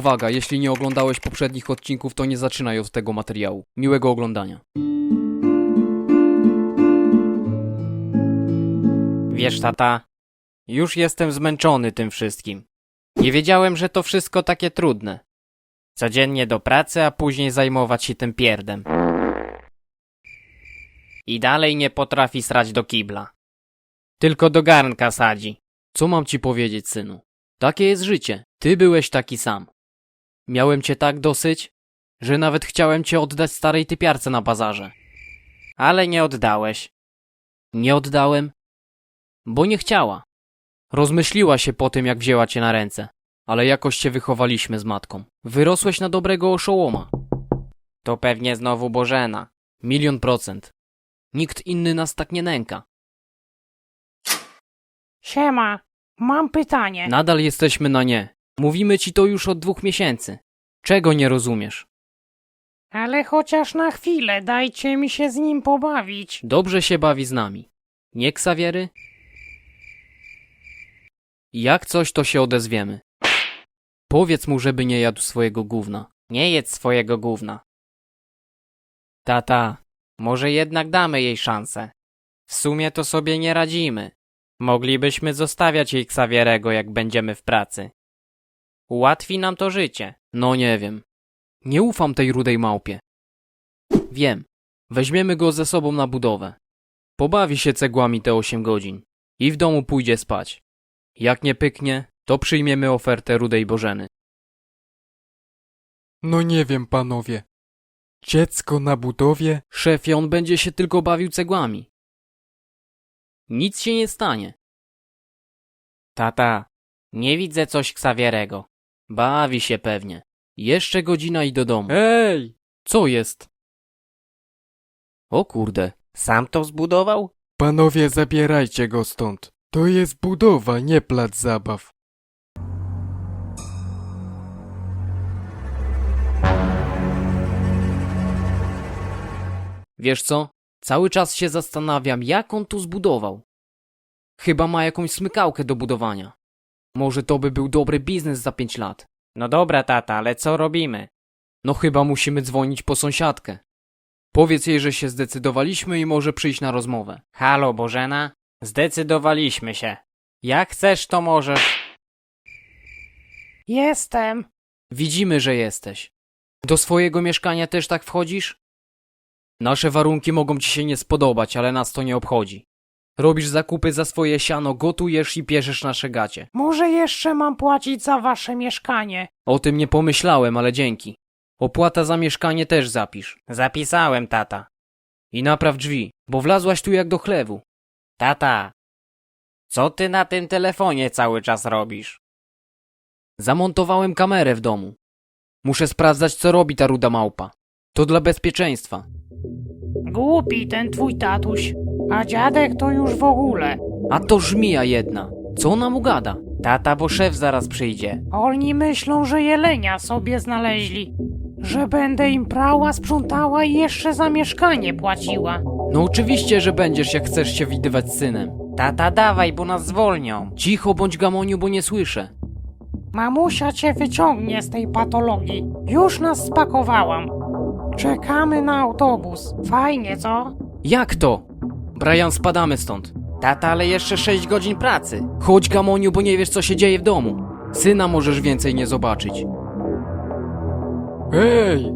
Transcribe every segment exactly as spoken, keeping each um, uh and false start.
Uwaga, jeśli nie oglądałeś poprzednich odcinków, to nie zaczynaj od tego materiału. Miłego oglądania. Wiesz, tata, już jestem zmęczony tym wszystkim. Nie wiedziałem, że to wszystko takie trudne. Codziennie do pracy, a później zajmować się tym pierdem. I dalej nie potrafi srać do kibla. Tylko do garnka sadzi. Co mam ci powiedzieć, synu? Takie jest życie. Ty byłeś taki sam. Miałem cię tak dosyć, że nawet chciałem cię oddać starej typiarce na bazarze. Ale nie oddałeś. Nie oddałem, bo nie chciała. Rozmyśliła się po tym, jak wzięła cię na ręce. Ale jakoś cię wychowaliśmy z matką. Wyrosłeś na dobrego oszołoma. To pewnie znowu Bożena. Milion procent. Nikt inny nas tak nie nęka. Siema, mam pytanie. Nadal jesteśmy na nie. Mówimy ci to już od dwóch miesięcy. Czego nie rozumiesz? Ale chociaż na chwilę, dajcie mi się z nim pobawić. Dobrze się bawi z nami. Nie, Xaviery? Jak coś, to się odezwiemy. Powiedz mu, żeby nie jadł swojego gówna. Nie jedz swojego gówna. Tata, może jednak damy jej szansę. W sumie to sobie nie radzimy. Moglibyśmy zostawiać jej Xavierego, jak będziemy w pracy. Ułatwi nam to życie. No nie wiem. Nie ufam tej rudej małpie. Wiem. Weźmiemy go ze sobą na budowę. Pobawi się cegłami te osiem godzin. I w domu pójdzie spać. Jak nie pyknie, to przyjmiemy ofertę rudej Bożeny. No nie wiem, panowie. Dziecko na budowie? Szefie, on będzie się tylko bawił cegłami. Nic się nie stanie. Tata, nie widzę coś Xavierego. Bawi się pewnie. Jeszcze godzina i do domu. Ej! Co jest? O kurde. Sam to zbudował? Panowie, zabierajcie go stąd. To jest budowa, nie plac zabaw. Wiesz co? Cały czas się zastanawiam, jak on tu zbudował. Chyba ma jakąś smykałkę do budowania. Może to by był dobry biznes za pięć lat. No dobra, tata, ale co robimy? No chyba musimy dzwonić po sąsiadkę. Powiedz jej, że się zdecydowaliśmy i może przyjść na rozmowę. Halo, Bożena? Zdecydowaliśmy się. Jak chcesz, to możesz. Jestem. Widzimy, że jesteś. Do swojego mieszkania też tak wchodzisz? Nasze warunki mogą ci się nie spodobać, ale nas to nie obchodzi. Robisz zakupy za swoje siano, gotujesz i pierzesz nasze gacie. Może jeszcze mam płacić za wasze mieszkanie. O tym nie pomyślałem, ale dzięki. Opłata za mieszkanie też zapisz. Zapisałem, tata. I napraw drzwi, bo wlazłaś tu jak do chlewu. Tata, co ty na tym telefonie cały czas robisz? Zamontowałem kamerę w domu. Muszę sprawdzać, co robi ta ruda małpa. To dla bezpieczeństwa. Głupi ten twój tatuś. A dziadek to już w ogóle. A to żmija jedna. Co ona mu gada? Tata, bo szef zaraz przyjdzie. Oni myślą, że jelenia sobie znaleźli. Że będę im prała, sprzątała i jeszcze za mieszkanie płaciła. No oczywiście, że będziesz, jak chcesz się widywać z synem. Tata, dawaj, bo nas zwolnią. Cicho bądź, Gamoniu, bo nie słyszę. Mamusia cię wyciągnie z tej patologii. Już nas spakowałam. Czekamy na autobus. Fajnie, co? Jak to? Brian, spadamy stąd. Tata, ale jeszcze sześć godzin pracy. Chodź, Gamoniu, bo nie wiesz, co się dzieje w domu. Syna możesz więcej nie zobaczyć. Ej!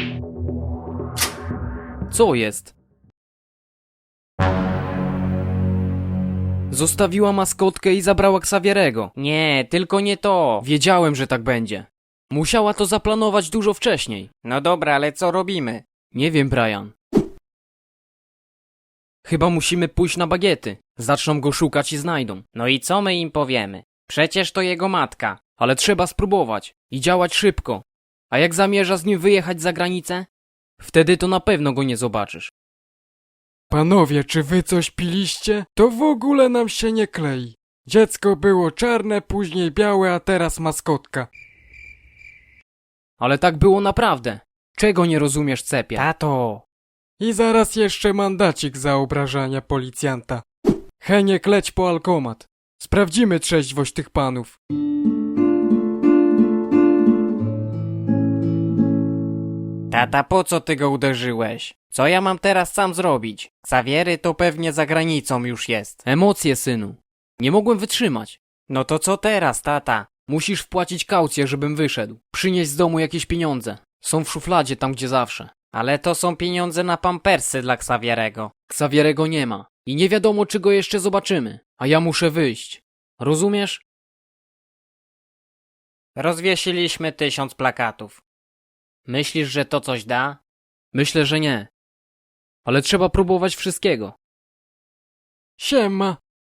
Co jest? Zostawiła maskotkę i zabrała Xavierego. Nie, tylko nie to. Wiedziałem, że tak będzie. Musiała to zaplanować dużo wcześniej. No dobra, ale co robimy? Nie wiem, Brian. Chyba musimy pójść na bagiety. Zaczną go szukać i znajdą. No i co my im powiemy? Przecież to jego matka. Ale trzeba spróbować i działać szybko. A jak zamierza z nim wyjechać za granicę? Wtedy to na pewno go nie zobaczysz. Panowie, czy wy coś piliście? To w ogóle nam się nie klei. Dziecko było czarne, później białe, a teraz maskotka. Ale tak było naprawdę. Czego nie rozumiesz, cepie? Tato. I zaraz jeszcze mandacik za obrażania policjanta. Heniek, leć po alkomat. Sprawdzimy trzeźwość tych panów. Tata, po co ty go uderzyłeś? Co ja mam teraz sam zrobić? Ksawiery to pewnie za granicą już jest. Emocje, synu. Nie mogłem wytrzymać. No to co teraz, tata? Musisz wpłacić kaucję, żebym wyszedł. Przynieść z domu jakieś pieniądze. Są w szufladzie, tam gdzie zawsze. Ale to są pieniądze na pampersy dla Ksawierego. Ksawierego nie ma. I nie wiadomo, czy go jeszcze zobaczymy. A ja muszę wyjść. Rozumiesz? Rozwiesiliśmy tysiąc plakatów. Myślisz, że to coś da? Myślę, że nie. Ale trzeba próbować wszystkiego. Siema.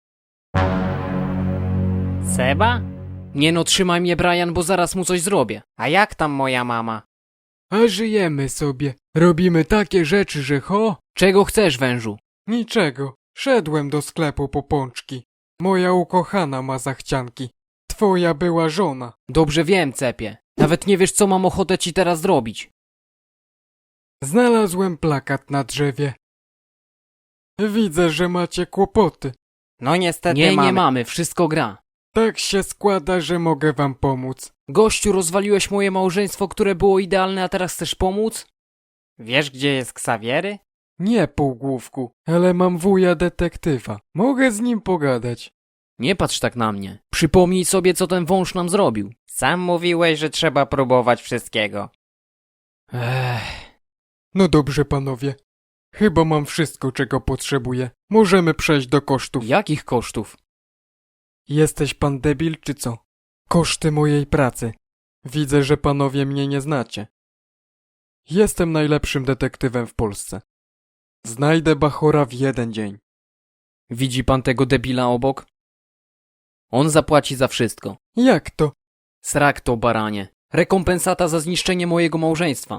Seba? Nie no, trzymaj mnie, Brian, bo zaraz mu coś zrobię. A jak tam moja mama? A żyjemy sobie. Robimy takie rzeczy, że ho? Czego chcesz, wężu? Niczego. Szedłem do sklepu po pączki. Moja ukochana ma zachcianki. Twoja była żona. Dobrze wiem, cepie. Nawet nie wiesz, co mam ochotę ci teraz zrobić. Znalazłem plakat na drzewie. Widzę, że macie kłopoty. No niestety Nie, mamy. nie mamy, wszystko gra. Tak się składa, że mogę wam pomóc. Gościu, rozwaliłeś moje małżeństwo, które było idealne, a teraz chcesz pomóc? Wiesz, gdzie jest Ksawiery? Nie, półgłówku, ale mam wuja detektywa. Mogę z nim pogadać. Nie patrz tak na mnie. Przypomnij sobie, co ten wąż nam zrobił. Sam mówiłeś, że trzeba próbować wszystkiego. Ech. No dobrze, panowie. Chyba mam wszystko, czego potrzebuję. Możemy przejść do kosztów. Jakich kosztów? Jesteś pan debil, czy co? Koszty mojej pracy. Widzę, że panowie mnie nie znacie. Jestem najlepszym detektywem w Polsce. Znajdę Bachora w jeden dzień. Widzi pan tego debila obok? On zapłaci za wszystko. Jak to? Srak to, baranie. Rekompensata za zniszczenie mojego małżeństwa.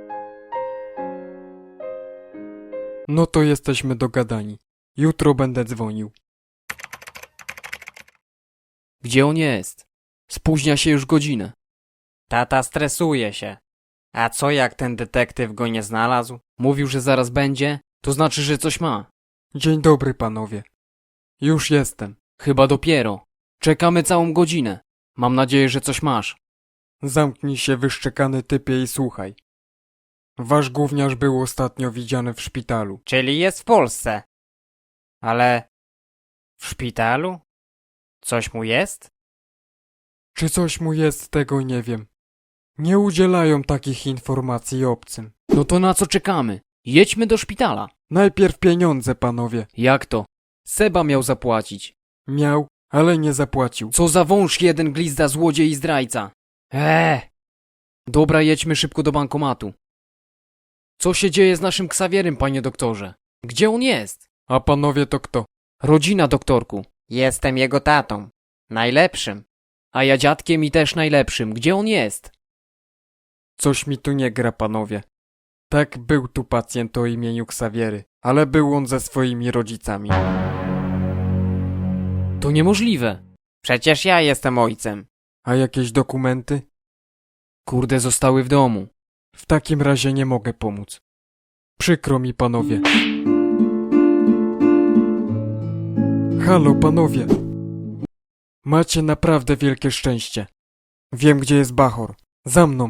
No to jesteśmy dogadani. Jutro będę dzwonił. Gdzie on jest? Spóźnia się już godzinę. Tata stresuje się. A co jak ten detektyw go nie znalazł? Mówił, że zaraz będzie, to znaczy, że coś ma. Dzień dobry, panowie. Już jestem. Chyba dopiero. Czekamy całą godzinę. Mam nadzieję, że coś masz. Zamknij się, wyszczekany typie, i słuchaj. Wasz gówniarz był ostatnio widziany w szpitalu. Czyli jest w Polsce. Ale... w szpitalu? Coś mu jest? Czy coś mu jest, tego nie wiem. Nie udzielają takich informacji obcym. No to na co czekamy? Jedźmy do szpitala. Najpierw pieniądze, panowie. Jak to? Seba miał zapłacić. Miał, ale nie zapłacił. Co za wąż jeden, glizda, złodziej i zdrajca. Eee. Dobra, jedźmy szybko do bankomatu. Co się dzieje z naszym Ksawierym, panie doktorze? Gdzie on jest? A panowie to kto? Rodzina, doktorku. Jestem jego tatą. Najlepszym. A ja dziadkiem i też najlepszym. Gdzie on jest? Coś mi tu nie gra, panowie. Tak, był tu pacjent o imieniu Ksawiery, ale był on ze swoimi rodzicami. To niemożliwe. Przecież ja jestem ojcem. A jakieś dokumenty? Kurde, zostały w domu. W takim razie nie mogę pomóc. Przykro mi, panowie. Halo, panowie. Macie naprawdę wielkie szczęście. Wiem, gdzie jest Bachor. Za mną.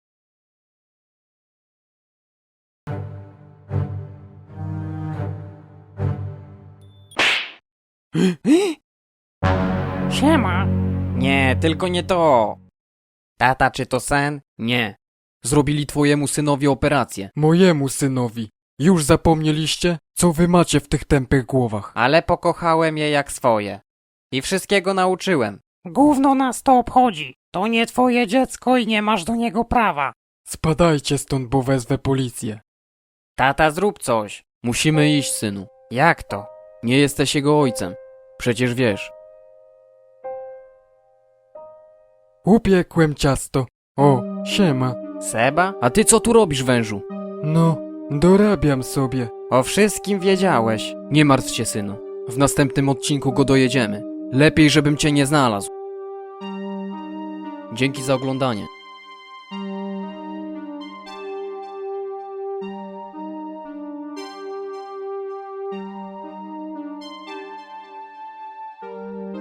Siema. Nie, tylko nie to. Tata, czy to sen? Nie. Zrobili twojemu synowi operację. Mojemu synowi. Już zapomnieliście, co wy macie w tych tępych głowach? Ale pokochałem je jak swoje. I wszystkiego nauczyłem. Gówno nas to obchodzi. To nie twoje dziecko i nie masz do niego prawa. Spadajcie stąd, bo wezwę policję. Tata, zrób coś. Musimy iść, synu. Jak to? Nie jesteś jego ojcem. Przecież wiesz. Upiekłem ciasto. O, siema. Seba? A ty co tu robisz, wężu? No, dorabiam sobie. O wszystkim wiedziałeś. Nie martw się, synu. W następnym odcinku go dojedziemy. Lepiej, żebym cię nie znalazł. Dzięki za oglądanie.